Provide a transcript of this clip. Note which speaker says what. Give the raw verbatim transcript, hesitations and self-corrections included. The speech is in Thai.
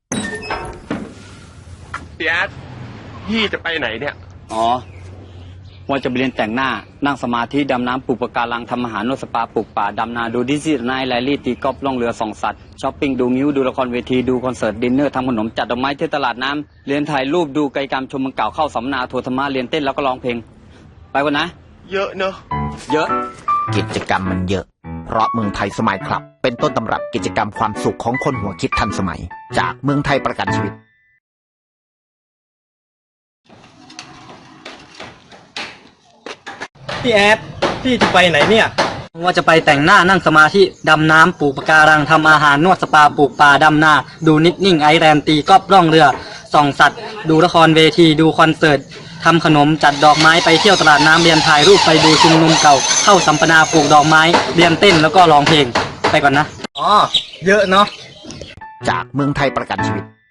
Speaker 1: พี่แอดพี่จะไปไหนเนี่ย
Speaker 2: อ๋อว่าจะไปเรียนแต่งหน้านั่งสมาธิดำน้ำปลูกปะการังทำอาหารนวดสปาปลูกป่าดำนาดูดิสนีย์ไนท์แรลลี่ตีกอล์ฟล่องเรือส่องสัตว์ช้อปปิ้งดูงิ้วดูละครเวทีดูคอนเสิร์ตดินเนอร์ทำขนมจัดดอกไม้ที่ตลาดน้ำเรียนถ่ายรูปดูกิจกรรมชมเมืองเก่าเข้าสัมมนาทัวร์ธรรมะเรียนเต้นแล้วก็ร้องเพลงไปก่อนนะ
Speaker 1: เยอะเนอะ
Speaker 2: เยอะ
Speaker 3: กิจกรรมมันเยอะเพราะเมืองไทยสมัยครับเป็นต้นตำรับกิจกรรมความสุขของคนหัวคิดทันสมัยจากเมืองไทยประกันชีวิต
Speaker 4: พี่แอดพี่จะไปไหนเนี่ย
Speaker 5: ว่าจะไปแต่งหน้านั่งสมาธิดำน้ำปลูกปะการังทำอาหารนวดสปาปลูกป่าดำนาดูนิดนิ่งไอแลนด์ตีกอล์ฟล่องเรือส่องสัตว์ดูละครเวทีดูคอนเสิร์ตทำขนมจัดดอกไม้ไปเที่ยวตลาดน้ำเรียนถ่ายรูปไปดูชุมนุมเก่าเข้าสัมมนาปลูกดอกไม้เรียนเต้นแล้วก็ร้องเพลงไปก่อนนะ
Speaker 4: อ๋อเยอะเนาะ
Speaker 3: จากเมืองไทยประกันชีวิต